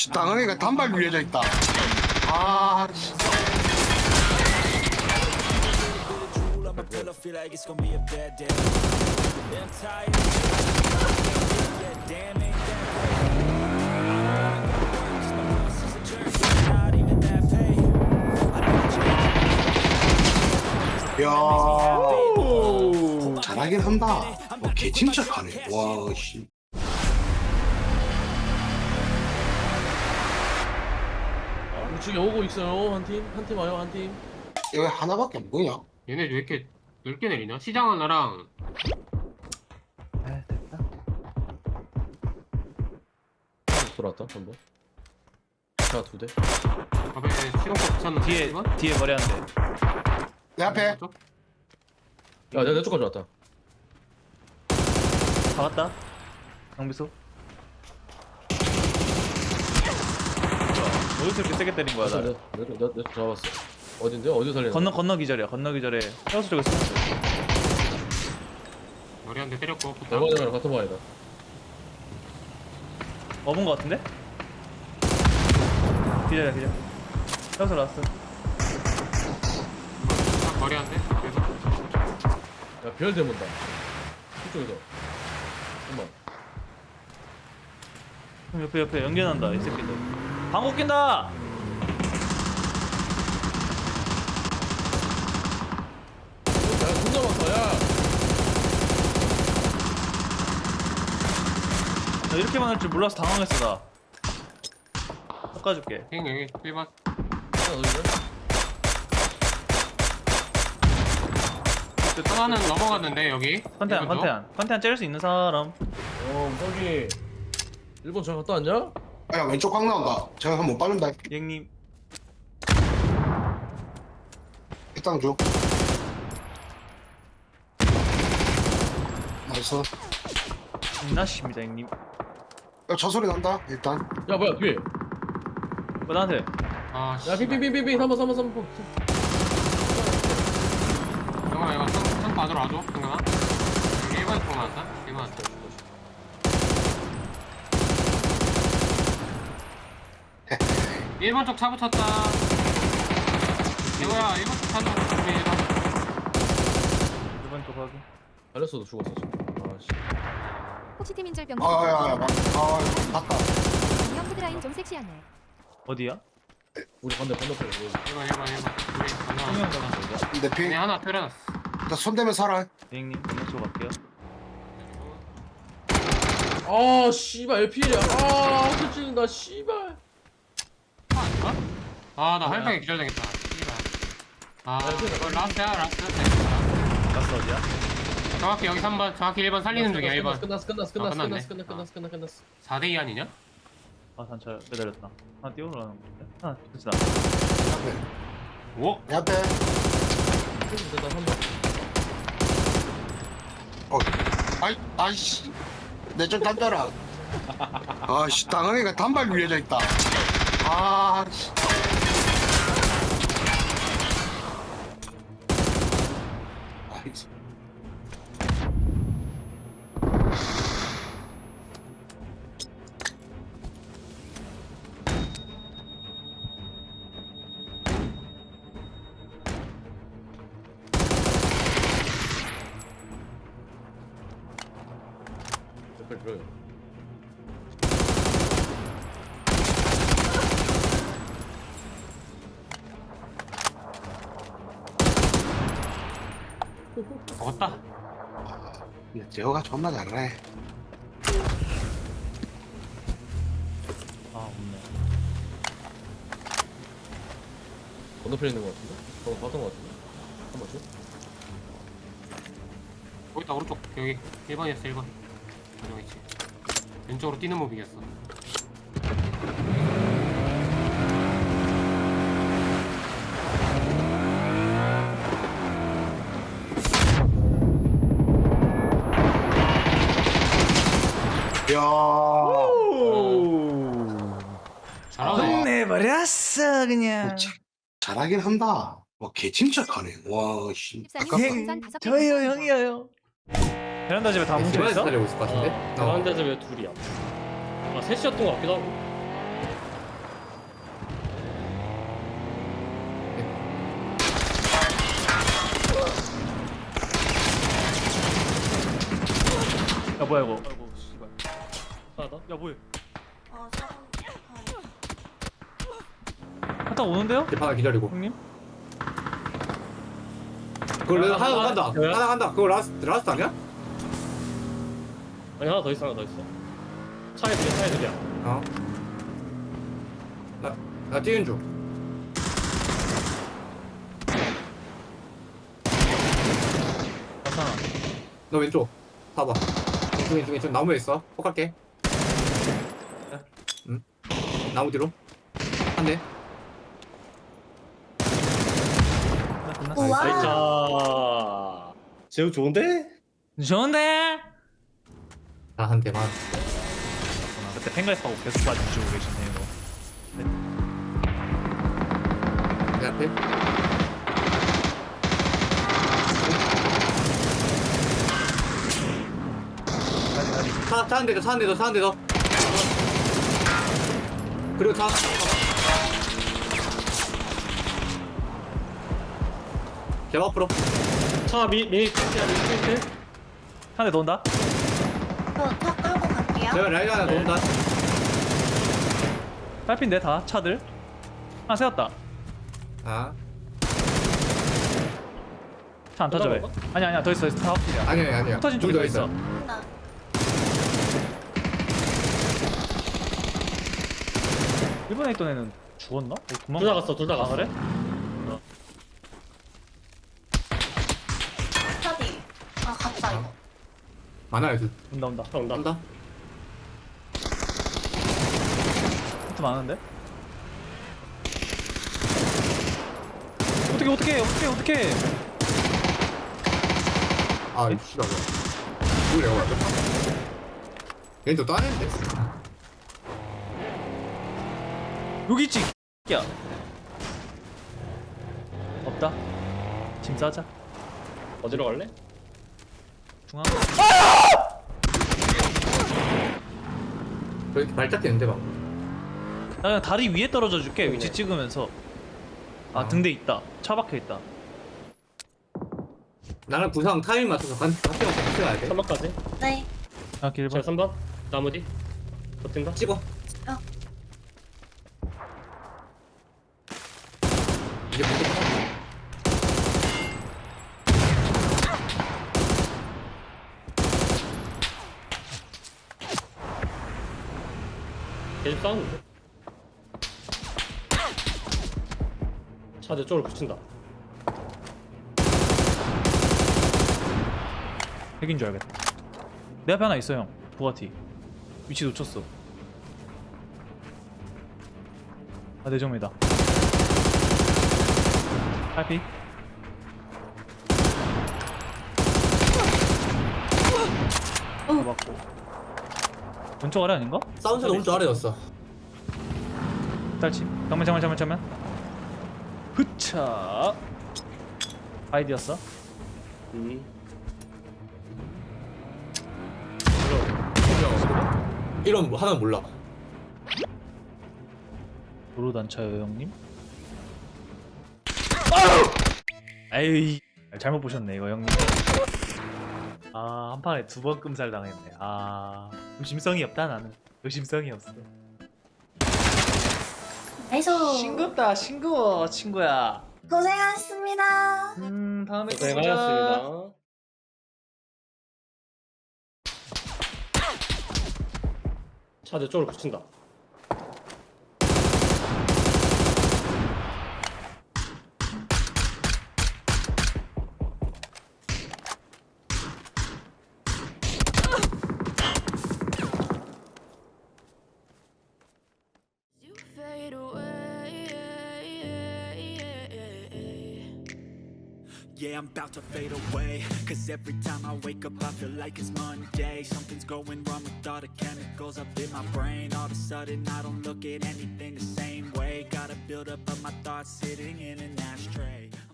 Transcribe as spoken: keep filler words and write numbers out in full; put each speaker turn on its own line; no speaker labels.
아씨 당연히가 단발 위에져 있다. 아 씨. 야 잘하긴 한다. 뭐 개침착하네. 와 씨.
우측에 오고 있어요. 한 팀, 한 팀 와요, 한 팀.
왜 하나밖에 안 보이냐?
얘네 왜 이렇게 넓게 내리냐? 시장 하나랑
아 됐다.
돌아왔다, 한 번. 자, 두 대.
밥에 실험법 붙였는데
뒤에
이건?
뒤에 머리 한 대.
내 앞에
쪽?
야, 내가 내 쪽까지 왔다.
박았다. 강비소. 어디서 이렇게 세게 때린 거야
나,
나?
내, 내, 내, 내쪽 잡았어. 어딘데? 어디 살리는
건너 건너 기절이야. 건너 기절에 헤어스 쪽에 숨었어.
머리 한 대 때렸고 붙다.
얼마전이랑 같은 방이다.
업은 거 같은데? 기절이야 기절. 헤어스 나왔어.
딱 머리 한 대. 계속.
야, 별 대문다. 이쪽에서. 잠깐만.
형 옆에 옆에 연결한다 이 새끼들. 방구 낀다.
야, 존나 많다, 야!
나 이렇게 많을 줄 몰라서 당황했어 나. 깎아줄게.
형 여기 일 번.
하나 더 있네?
하나는 넘어갔는데 여기.
컨테안
일 번 쪽.
컨테안 컨테안 째릴 수 있는 사람.
어, 저기. 일본 잘 갔다 왔냐?
야 왼쪽 각 나온다. 제가 한번 빠른다.
형님.
일단 줘. 나이스.
나십니다 형님.
야, 저 소리 난다. 일단.
야, 뭐야, 뒤에.
뭐 나한테.
아 씨.
야, 빙빙빙빙빙. 삼 번, 삼 번, 삼 번.
형아 이거 상 받으러 와줘. 형아. 여기 일 번 쪽 나왔다. 일 번. 일 번 쪽 차 붙였다. 이거야 일 번 쪽 차는 우리 일 번.
이번 쪽 확인.
달렸어도 죽었어, 지금. 아, 씨.
혹시 팀인절병
아야야 막. 아 맞다.
형 후드라인 좀 섹시하네.
어디야?
우리 반대, 반대편에.
일 번 일 번 일 번. 우리
투명
건너.
가는 거야?
내 피.
얘네 하나 때려놨어.
나 손대면 살아.
형님 건너 쪽 갈게요.
아, 씨발, 엘피엘이야. 아, 터치는다, 씨발.
아 아닌가? 아나 할배에 기절당했다. 씨발. 아
야, 그래,
이거 라스트야 라스트.
가스 어디야?
정확히 여기 삼 번 정확히 일 번 살리는 중이야 일 번.
끝났어, 끝났어,
아,
끝났어,
끝났네.
끝났어, 끝났어, 끝났어, 끝났어, 끝났어.
사 대 이 아니냐?
아 단차 매달렸다. 하나 띄워놓으라는 건데. 하나 됐다.
앞에.
오?
내 앞에.
됐다, 삼 번.
어. 아이 아이씨. 내 좀 던져라. 아씨 당연히가 단발 위에져 있다. 아 씨. 아이씨.
빨리 들어요.
먹었다.
근데 제호가 존나 잘해.
아 없네.
건너편에 있는 거 같은데? 방금 봤던 거 같은데? 한 번 줘?
거기 있다 오른쪽 여기 일 번이었어 일 번. 가정했지. 왼쪽으로 뛰는 모빙이었어.
야.
잘하네.
끝내버렸어 그냥.
자, 잘하긴 한다. 와 개침착하네. 와 씨. 아깝다.
형
저예요 형이에요. 베란다 집에 다 뭉쳐 있어?
살리고 있을 것 같은데?
베란다 집에 둘이야. 아 셋이었던 것 같기도 하고.
뭐야 이거? 아이고 씨발.
하나 더.
야 뭐해?
어, 사람.
하다 오는데요?
집 하나 기다리고.
형님?
그걸 내가 하나
하나,
간다.
뭐야?
하나 간다. 그거 라스트 라스트 아니야?
아니 하나 더 있어 하나 더 있어. 차에 들려 차에 들려.
어. 나, 나 뛰는 중.
괜찮아.
너 왼쪽. 봐봐. 왼쪽, 왼쪽, 왼쪽. 나무에 있어. 폭할게. 응. 나무 뒤로. 한 대.
끝났어. 끝났어.
우와.
자, 제우 좋은데?
좋은데?
아, 한 대만.
아, 그때 팬가입하고 계속 봐주고 계시네요.
내 앞에.
가지 가지.
차, 차 한 대 더, 차 한 대 더, 차 한 대 더. 그리고 차. 개 앞으로.
차 미, 미니 택시야 미니 택시.
한대 더 온다.
저차 끌고 갈게요.
내가 라이드 하나 놓는다.
딸핀데 다 차들. 하나 세웠다.
아,
차 안 터져 왜?
끝난
아니 아니야 더 있어 다 확실이야.
아니야, 아니야.
터진 쪽에
둘
더 있어.
나.
일본에 있던 애는 죽었나? 어, 도망가.
둘 다 갔어 둘 다
아
갔어.
그래?
차디. 아, 갔다, 이거.
많아요, 둘.
온다 온다.
차 온다.
한다.
히트 많은데? 어떻게 어떻게 어떻게 어떻게?
아, 이 씨발. 이거 내가 완전. 얘는 또 따냈는데?
여기 있지. 야. 없다. 짐 싸자.
어디로 갈래?
중앙.
저기 발작했는데, 막.
나 그냥 다리 위에 떨어져 줄게. 위치
네.
찍으면서. 아
아.
등대 있다. 차 박혀 있다.
나는 부상 타이밍 맞춰서 간, 같이 가서 같이 가야 돼.
삼 번까지.
네.
아 길
자
봐.
삼 번. 나무 뒤. 버틴다.
찍어. 이제 무조건.
계속 싸우는데. 차 내 쪽으로 붙인다.
핵인 줄 알겠다. 내 앞에 하나 있어 형. 부가티. 위치 놓쳤어. 아 내정이다. 팔피. 맞고. 왼쪽 아래 아닌가?
사운드가 오른쪽 아래였어.
딸치. 잠만 잠만 잠만 잠만. 흐차. 아이디였어?
음.
이런 뭐 하나는 몰라.
도로 단차요 형님? 에이 잘못 보셨네 이거 형님. 아 한 판에 두 번 끔살 당했네. 아 의심성이 없다 나는. 의심성이 없어.
나이스.
싱겁다 싱거워 친구야.
고생하셨습니다.
음 다음에 또 보자.
고생하셨습니다. 차 내 쪽으로 붙인다.
Fade away.
Yeah, I'm about to fade away. Cause every time I wake up, I feel like it's Monday. Something's going wrong with all the chemicals up in my brain. All of a sudden, I don't look at anything the same way. Got a build up of my thoughts sitting in an ashtray.